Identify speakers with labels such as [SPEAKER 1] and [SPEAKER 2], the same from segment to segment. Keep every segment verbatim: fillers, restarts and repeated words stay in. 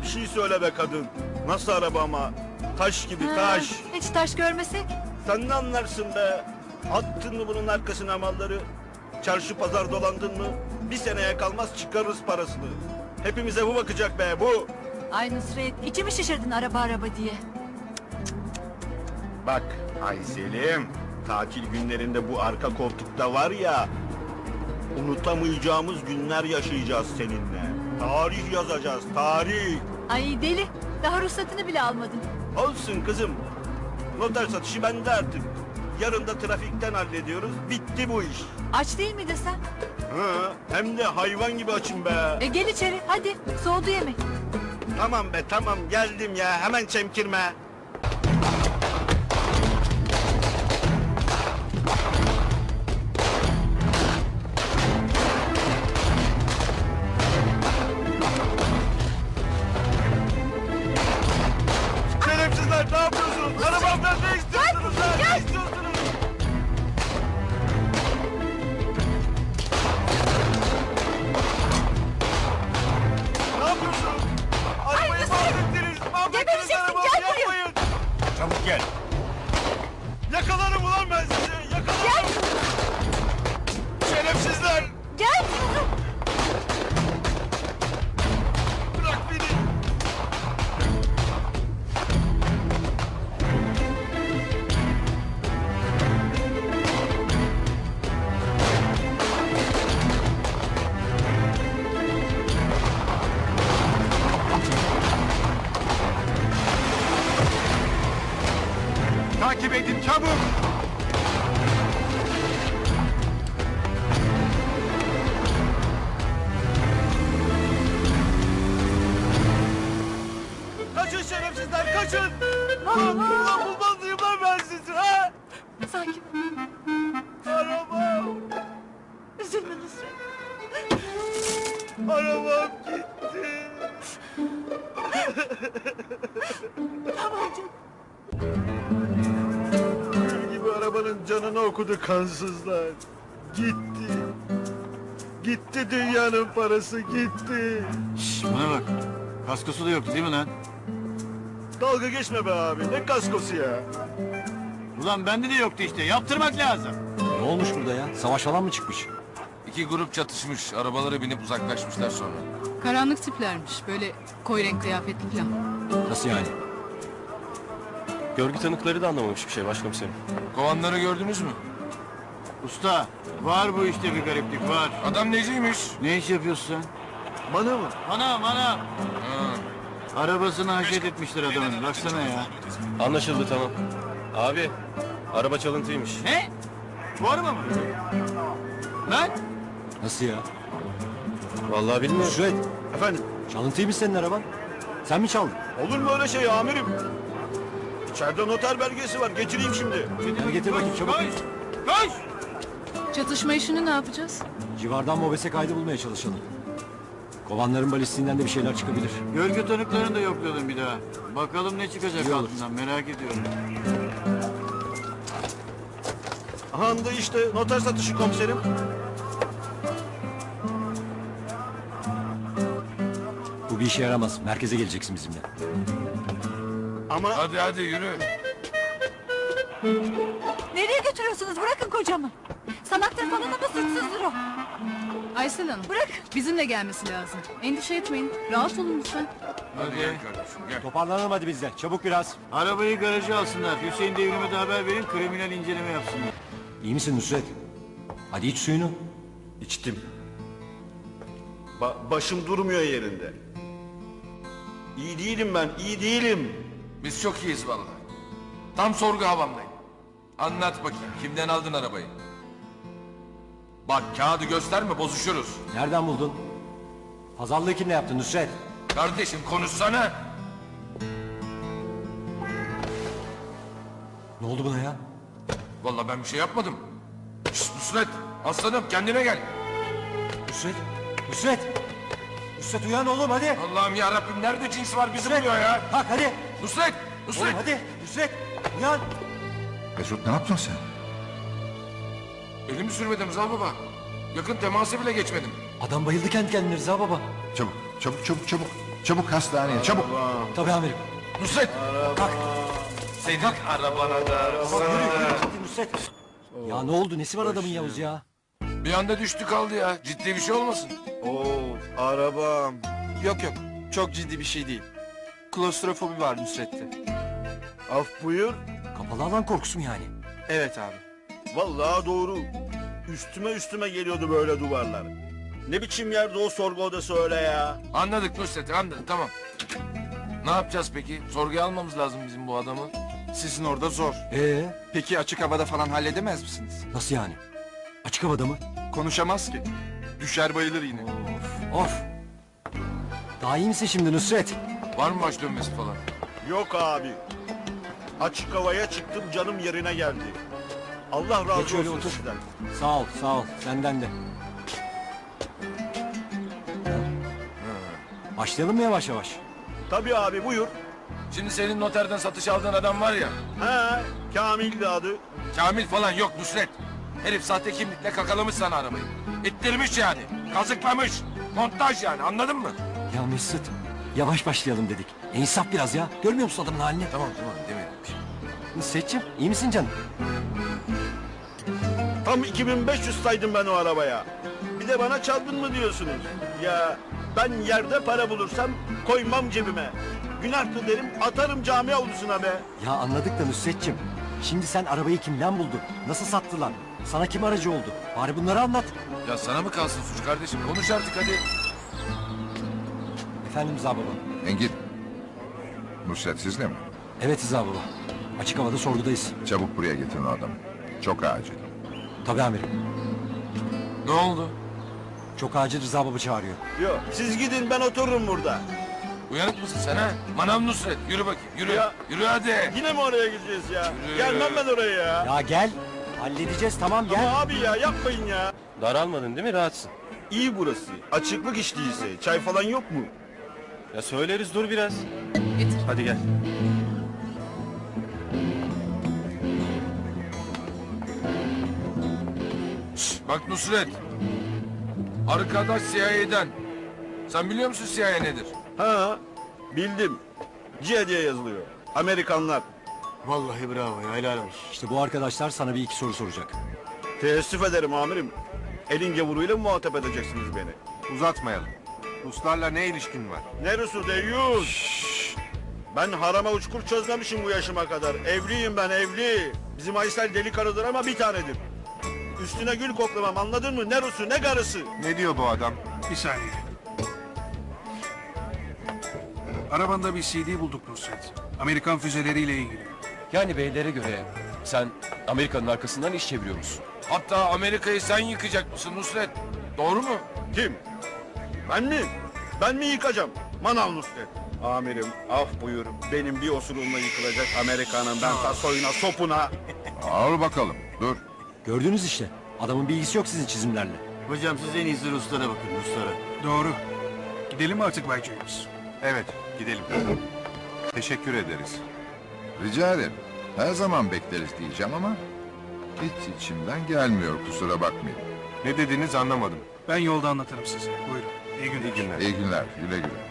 [SPEAKER 1] bir şey söyle be kadın. Nasıl araba ama? Taş gibi taş.
[SPEAKER 2] Hiç taş görmesek.
[SPEAKER 1] Sen ne anlarsın be? Attın mı bunun arkasına malları? Çarşı pazar dolandın mı? Bir seneye kalmaz çıkarırız parasını. Hepimize bu bakacak be bu.
[SPEAKER 2] Ay Nusret, içimi şişirdin araba araba diye.
[SPEAKER 1] Bak ay Selim, tatil günlerinde bu arka koltukta var ya, unutamayacağımız günler yaşayacağız seninle. Tarih yazacağız, tarih.
[SPEAKER 2] Ay deli, daha ruhsatını bile almadın.
[SPEAKER 1] Olsun kızım. Noter satışı bende artık. Yarın da trafikten hallediyoruz. Bitti bu iş.
[SPEAKER 2] Aç değil miydin sen?
[SPEAKER 1] Hı, hem de hayvan gibi açım be.
[SPEAKER 2] E gel içeri, hadi. Soğudu yemek.
[SPEAKER 1] Tamam be tamam geldim ya hemen çemkirme. Şerefsizler ne yapıyorsunuz? Arabamdan ne istiyorsunuz lan? Ne istiyorsunuz? Ne yapıyorsunuz? Arabayı mahvettiniz. Mahvettiniz
[SPEAKER 2] Gebereceksin,
[SPEAKER 1] arabamı
[SPEAKER 2] gel buraya.
[SPEAKER 1] yapmayın.
[SPEAKER 3] Çabuk gel.
[SPEAKER 1] Yakalarım ulan ben sizi. Yakalarım.
[SPEAKER 2] Gel,
[SPEAKER 1] Şerefsizler.
[SPEAKER 2] gel.
[SPEAKER 1] Bırak beni.
[SPEAKER 3] Takip edin çabuk.
[SPEAKER 1] Kaçın şerefsizler kaçın. Ulan ulan bulmaz mıyım lan ben sizi ha?
[SPEAKER 2] Sakin.
[SPEAKER 1] Arabam.
[SPEAKER 2] Üzülme Nusret.
[SPEAKER 1] Arabam gitti.
[SPEAKER 2] Tamam canım.
[SPEAKER 1] Gül gibi arabanın canını okudu kansızlar. Gitti. Gitti dünyanın parası gitti.
[SPEAKER 3] Şşş bana bak. Kaskosu da yoktu değil mi lan?
[SPEAKER 1] Dalga geçme be abi ne kaskosu ya.
[SPEAKER 3] Ulan bende de yoktu işte. Yaptırmak lazım.
[SPEAKER 4] Ne olmuş burada ya? Savaş falan mı çıkmış?
[SPEAKER 5] İki grup çatışmış. Arabalara binip uzaklaşmışlar sonra.
[SPEAKER 6] Karanlık tiplermiş. Böyle koyu renk kıyafetli falan.
[SPEAKER 4] Nasıl yani?
[SPEAKER 7] Görgü tanıkları da anlamamış bir şey başkomiserim.
[SPEAKER 5] Kovanları gördünüz mü?
[SPEAKER 3] Usta var bu işte bir gariplik var.
[SPEAKER 5] Adam neciymiş?
[SPEAKER 3] Ne iş yapıyorsun sen?
[SPEAKER 1] Bana mı?
[SPEAKER 3] Bana bana.
[SPEAKER 5] Ha.
[SPEAKER 3] Arabasını haşet etmişler adamın. Baksana ya.
[SPEAKER 7] Anlaşıldı tamam. Abi araba çalıntıymış.
[SPEAKER 3] Ne? Bu araba mı? Lan?
[SPEAKER 4] Nasıl ya?
[SPEAKER 7] Vallahi bilmiyorum.
[SPEAKER 4] Şuret,
[SPEAKER 1] Efendim
[SPEAKER 4] çalıntıymış senin araban. Sen mi çaldın?
[SPEAKER 1] olur mu öyle şey amirim? İçeride noter belgesi var getireyim şimdi.
[SPEAKER 4] Hadi getir bakayım çabuk.
[SPEAKER 3] Koş! Koş!
[SPEAKER 6] Çatışma işini ne yapacağız?
[SPEAKER 4] Civardan mobese kaydı bulmaya çalışalım. Kovanların balistiğinden de bir şeyler çıkabilir.
[SPEAKER 3] Görgü tanıklarını da yoklayalım bir daha. Bakalım ne çıkacak
[SPEAKER 4] İyi olur.
[SPEAKER 3] altından merak ediyorum.
[SPEAKER 1] Handa işte noter satışı komiserim.
[SPEAKER 4] Bu bir işe yaramaz. Merkeze geleceksin bizimle.
[SPEAKER 1] Ama
[SPEAKER 5] Hadi hadi yürü.
[SPEAKER 2] Nereye götürüyorsunuz? Bırakın kocamı. Sanaktır falan ama suçsuzdur o.
[SPEAKER 6] Aysel Hanım.
[SPEAKER 2] Bırak.
[SPEAKER 6] Bizimle gelmesi lazım. Endişe etmeyin. Rahat olun lütfen.
[SPEAKER 5] Hadi gel kardeşim gel.
[SPEAKER 4] Toparlanalım hadi biz de. Çabuk biraz.
[SPEAKER 3] Arabayı garaja alsınlar. Hüseyin Devrim'e de haber verin. Kriminal inceleme yapsınlar.
[SPEAKER 4] İyi misin Nusret? Hadi iç suyunu.
[SPEAKER 1] içtim. Ba- başım durmuyor yerinde. İyi değilim ben, iyi değilim.
[SPEAKER 5] Biz çok iyiyiz vallahi. Tam sorgu havamdayım. Anlat bakayım kimden aldın arabayı? Bak kağıdı gösterme bozuşuruz.
[SPEAKER 4] Nereden buldun? Pazarlığı kimle yaptın Nusret?
[SPEAKER 5] Kardeşim konuşsana.
[SPEAKER 4] Ne oldu buna ya?
[SPEAKER 5] Vallahi ben bir şey yapmadım. Şşt Nusret aslanım kendine gel.
[SPEAKER 4] Nusret! Nusret! Nusret uyan oğlum hadi!
[SPEAKER 5] Allah'ım ya Rabbim nerede cins var bizi buluyor ya.
[SPEAKER 4] Kalk hadi!
[SPEAKER 5] Nusret!
[SPEAKER 4] Oğlum
[SPEAKER 5] Nusret!
[SPEAKER 4] hadi! Nusret! Uyan!
[SPEAKER 8] Mesut ne yaptın sen?
[SPEAKER 5] Elimi sürmedim Rıza baba. Yakın temasa bile geçmedim.
[SPEAKER 4] Adam bayıldı kendi kendine Rıza baba.
[SPEAKER 8] Çabuk, çabuk, çabuk, çabuk. Çabuk hastaneye çabuk.
[SPEAKER 4] Tabii amirim.
[SPEAKER 5] Nusret! Kalk! Senin arabana da...
[SPEAKER 4] Nusret. Ya ne oldu? Nesi var adamın Yavuz ya?
[SPEAKER 5] Bir anda düştü kaldı ya. Ciddi bir şey olmasın.
[SPEAKER 1] Oo, arabam.
[SPEAKER 9] Yok yok. Çok ciddi bir şey değil. Klostrofobi var Nusret'te.
[SPEAKER 1] Af buyur.
[SPEAKER 4] Kapalı alan korkusu mu yani?
[SPEAKER 9] Evet abi.
[SPEAKER 1] Vallahi doğru. Üstüme üstüme geliyordu böyle duvarlar. Ne biçim yerde o sorgu odası öyle ya?
[SPEAKER 5] Anladık Nusret, anladık. Tamam. Ne yapacağız peki? Sorguya almamız lazım bizim bu adamı.
[SPEAKER 9] Sizin orada zor.
[SPEAKER 4] Ee,
[SPEAKER 9] Peki açık havada falan halledemez misiniz?
[SPEAKER 4] nasıl yani? Açık havada mı?
[SPEAKER 9] Konuşamaz ki. Düşer bayılır yine.
[SPEAKER 4] Of. Daha iyi misin şimdi Nusret?
[SPEAKER 5] Var mı baş dönmesi falan?
[SPEAKER 1] Yok abi. Açık havaya çıktım canım yerine geldi. Allah razı
[SPEAKER 4] Geç öyle
[SPEAKER 1] olsun
[SPEAKER 4] otur.
[SPEAKER 1] sizden.
[SPEAKER 4] Sağ ol, sağ ol. Senden de. Başlayalım mı yavaş yavaş?
[SPEAKER 1] Tabii abi buyur.
[SPEAKER 5] Şimdi senin noterden satış aldığın adam var ya.
[SPEAKER 1] He, Kamil'di adı.
[SPEAKER 5] Kamil falan yok Nusret. Herif sahte kimlikle kakalamış sana arabayı. İttirmiş yani. Kazıklamış. Montaj yani, anladın mı?
[SPEAKER 4] Ya Mesut, yavaş başlayalım dedik. E, insaf biraz ya. Görmüyor musun adamın halini?
[SPEAKER 5] Tamam tamam demedim.
[SPEAKER 4] Nusret'ciğim, iyi misin canım?
[SPEAKER 1] Tam iki bin beş yüz saydım ben o arabaya. Bir de bana çaldın mı diyorsunuz? Ya ben yerde para bulursam koymam cebime. Günahtır derim atarım cami avlusuna be.
[SPEAKER 4] Ya anladık da Nusret'ciğim. Şimdi sen arabayı kimden buldun? Nasıl sattılar? Sana kim aracı oldu? Bari bunları anlat.
[SPEAKER 5] Ya sana mı kalsın suç kardeşim? Konuş artık hadi.
[SPEAKER 4] Efendim Rıza baba.
[SPEAKER 8] Engin. Nusret sizle mi?
[SPEAKER 4] Evet Rıza baba. Açık havada sorgudayız.
[SPEAKER 8] Çabuk buraya getirin o adamı. Çok acil.
[SPEAKER 4] Tabii amirim.
[SPEAKER 5] Ne oldu?
[SPEAKER 4] Çok acil Rıza baba çağırıyor.
[SPEAKER 1] Yok siz gidin ben otururum burada.
[SPEAKER 5] Uyanık mısın sen ha? Manav Nusret. Yürü bakayım. Yürü.
[SPEAKER 1] Ya.
[SPEAKER 5] Yürü hadi.
[SPEAKER 1] Yine mi oraya gideceğiz ya?
[SPEAKER 5] Yürü.
[SPEAKER 1] Gelmem ben oraya ya.
[SPEAKER 4] Ya gel. Halledeceğiz tamam gel.
[SPEAKER 1] Ama abi ya yapmayın ya.
[SPEAKER 7] Daralmadın değil mi? Rahatsın.
[SPEAKER 1] İyi burası. Açıklık iş değilse. Çay falan yok mu?
[SPEAKER 7] Ya söyleriz dur biraz.
[SPEAKER 6] Getir.
[SPEAKER 7] Hadi gel.
[SPEAKER 5] Şşt, bak Nusret. Arkadaş C I A'den. Sen biliyor musun C I A nedir?
[SPEAKER 1] Ha bildim. C diye yazılıyor. Amerikanlar.
[SPEAKER 3] Vallahi bravo ya, helal olsun.
[SPEAKER 4] İşte bu arkadaşlar sana bir iki soru soracak.
[SPEAKER 1] Teessüf ederim amirim. Elin gavuruyla mı muhatap edeceksiniz beni?
[SPEAKER 8] Uzatmayalım. Ruslarla ne ilişkin var?
[SPEAKER 1] Ne Rusu deyyus? Ben harama uçkur çözmemişim bu yaşıma kadar. Evliyim ben evli. Bizim Aysel deli karıdır ama bir tanedir. Üstüne gül koklamam anladın mı? Ne Rusu ne karısı.
[SPEAKER 8] Ne diyor bu adam?
[SPEAKER 10] Bir saniye. Arabanda bir C D bulduk Nusret. Amerikan füzeleriyle ilgili.
[SPEAKER 7] Yani beylere göre sen Amerika'nın arkasından iş çeviriyor musun?
[SPEAKER 5] Hatta Amerika'yı sen yıkacak mısın Nusret? Doğru mu?
[SPEAKER 1] Kim? Ben mi? Ben mi yıkacağım? Manav Nusret. Amirim af buyur. Benim bir osurumla yıkılacak Amerika'nın ben ta soyuna sopuna.
[SPEAKER 8] Al bakalım. Dur.
[SPEAKER 4] Gördünüz işte. Adamın bilgisi yok sizin çizimlerle.
[SPEAKER 3] Hocam siz en iyisi Ruslara bakın, Ruslara.
[SPEAKER 10] Doğru. Gidelim mi artık Bay James?
[SPEAKER 8] Evet, gidelim. Teşekkür ederiz. Rica ederim. Her zaman bekleriz diyeceğim ama hiç içimden gelmiyor kusura bakmayın.
[SPEAKER 10] Ne dediğinizi anlamadım. Ben yolda anlatırım size. Buyurun. İyi günler. İyi günler.
[SPEAKER 8] İyi günler, güle güle.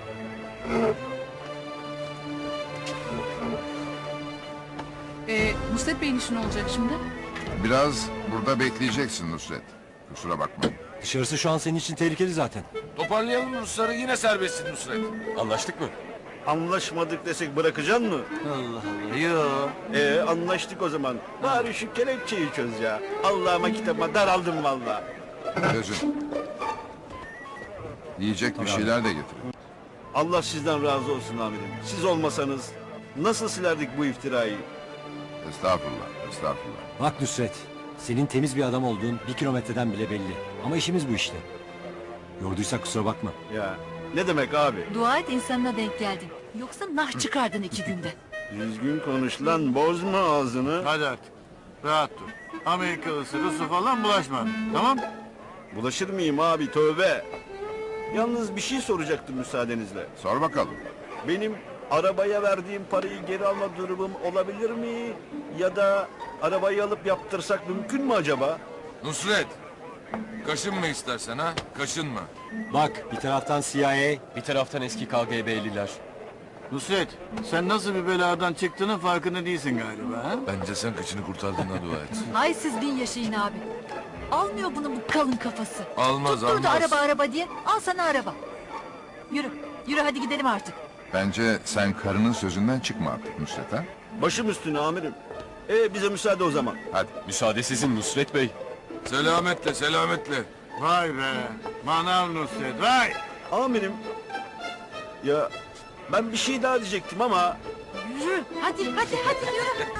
[SPEAKER 6] Ee, Nusret Bey'in işi ne olacak şimdi?
[SPEAKER 8] Biraz burada bekleyeceksin Nusret. Kusura bakmayın.
[SPEAKER 4] Dışarısı şu an senin için tehlikeli zaten.
[SPEAKER 5] Toparlayalım Rusları, yine serbestsin Nusret.
[SPEAKER 7] Anlaştık mı?
[SPEAKER 1] Anlaşmadık desek bırakacaksın mı?
[SPEAKER 3] Allah Allah, yok.
[SPEAKER 1] Ee anlaştık o zaman. Bari şu kelepçeyi çöz ya. Allah'ıma kitabıma daraldım vallahi.
[SPEAKER 8] Çözün. Yiyecek bir şeyler de getirin.
[SPEAKER 1] Allah sizden razı olsun amirim. Siz olmasanız nasıl silerdik bu iftirayı?
[SPEAKER 8] Estağfurullah, estağfurullah.
[SPEAKER 4] Bak Nusret, senin temiz bir adam olduğun bir kilometreden bile belli. Ama işimiz bu işte. Yorduysak kusura bakma.
[SPEAKER 1] Ya ne demek abi?
[SPEAKER 2] Dua et insanına denk geldin. Yoksa nah çıkardın iki günde.
[SPEAKER 1] Düzgün konuş lan bozma ağzını.
[SPEAKER 3] Hadi artık. Rahat dur. Amerikalısı, Rusu falan bulaşma. Tamam?
[SPEAKER 1] Bulaşır mıyım abi tövbe. Yalnız bir şey soracaktım müsaadenizle.
[SPEAKER 8] Sor bakalım.
[SPEAKER 1] Benim arabaya verdiğim parayı geri alma durumum olabilir mi? Ya da arabayı alıp yaptırsak mümkün mü acaba?
[SPEAKER 5] Nusret, Kaşınma istersen ha, kaşınma.
[SPEAKER 4] Bak bir taraftan C I A,
[SPEAKER 7] Bir taraftan eski K G B'liler.
[SPEAKER 3] Nusret, sen nasıl bir beladan çıktığının farkında değilsin galiba ha?
[SPEAKER 5] Bence sen kıçını kurtardığına dua et.
[SPEAKER 2] Hay siz bin yaşayın abi. Almıyor bunun bu kalın kafası.
[SPEAKER 5] Almaz,
[SPEAKER 2] Tutturdu
[SPEAKER 5] almaz.
[SPEAKER 2] araba araba diye. Al sana araba. Yürü. Yürü hadi gidelim artık.
[SPEAKER 8] Bence sen karının sözünden çıkma artık Nusret ha.
[SPEAKER 1] Başım üstüne amirim. E bize müsaade o zaman.
[SPEAKER 8] Hadi.
[SPEAKER 7] Müsaade sizin Nusret Bey.
[SPEAKER 5] Selametle, selametle.
[SPEAKER 3] Vay be, manav Nusret, vay!
[SPEAKER 1] Amirim. Ya ben bir şey daha diyecektim ama
[SPEAKER 2] Yürü. Hadi hadi hadi yürü.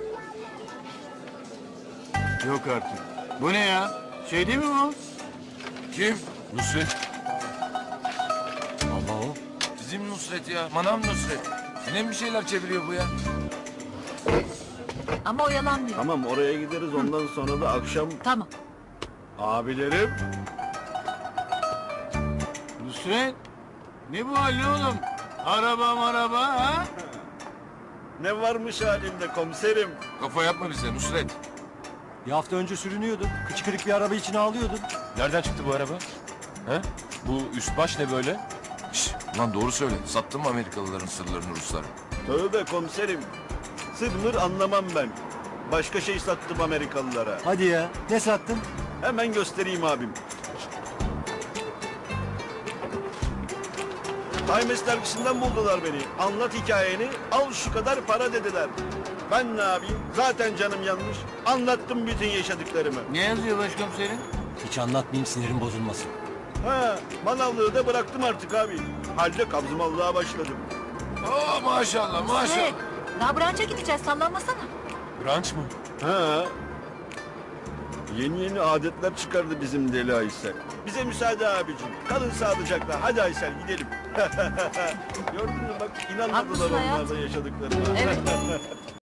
[SPEAKER 3] Yok artık. Bu ne ya? Şey değil mi bu?
[SPEAKER 5] Kim?
[SPEAKER 7] Nusret.
[SPEAKER 4] Allah o.
[SPEAKER 5] Bizim Nusret ya, manav Nusret. Yine mi bir şeyler çeviriyor bu ya?
[SPEAKER 2] Ama oyalanmıyor.
[SPEAKER 1] tamam oraya gideriz ondan sonra da akşam
[SPEAKER 2] Tamam.
[SPEAKER 1] abilerim.
[SPEAKER 3] Nusret, ne bu hal ne oğlum? Araba maraba ha?
[SPEAKER 1] Ne varmış halimde komiserim.
[SPEAKER 5] Kafa yapma bize Nusret.
[SPEAKER 4] Bir hafta önce sürünüyordun. Kıçı kırık bir araba içine ağlıyordun.
[SPEAKER 7] Nereden çıktı bu araba? He? Bu üst baş ne böyle?
[SPEAKER 5] Şşş, lan doğru söyle. Sattın mı Amerikalıların sırlarını Ruslara?
[SPEAKER 1] Tövbe komiserim. Sır mır anlamam ben. Başka şey sattım Amerikalılara.
[SPEAKER 4] Hadi ya. Ne sattın?
[SPEAKER 1] Hemen göstereyim abim. Times dergisinden buldular beni. Anlat hikayeni, al şu kadar para dediler. Ben ne yapayım? Zaten canım yanmış. Anlattım bütün yaşadıklarımı.
[SPEAKER 3] Ne yazıyor başkomiserim?
[SPEAKER 4] Hiç anlatmayayım sinirim bozulmasın.
[SPEAKER 1] Ha, manavlığı da bıraktım artık abi. Halde kabzımallığa başladım.
[SPEAKER 5] Aa maşallah, maşallah.
[SPEAKER 2] Evet. Daha branşa gideceğiz sallanmasana.
[SPEAKER 7] Branş mı?
[SPEAKER 1] Ha. Yeni yeni adetler çıkardı bizim deli Aysel. Bize müsaade abicim. Kalın sağlıcakla. Hadi Aysel gidelim. Gördün mü bak inanmadılar
[SPEAKER 2] Haklısın
[SPEAKER 1] onlar
[SPEAKER 2] hayatım.
[SPEAKER 1] da yaşadıklarına.
[SPEAKER 2] Evet.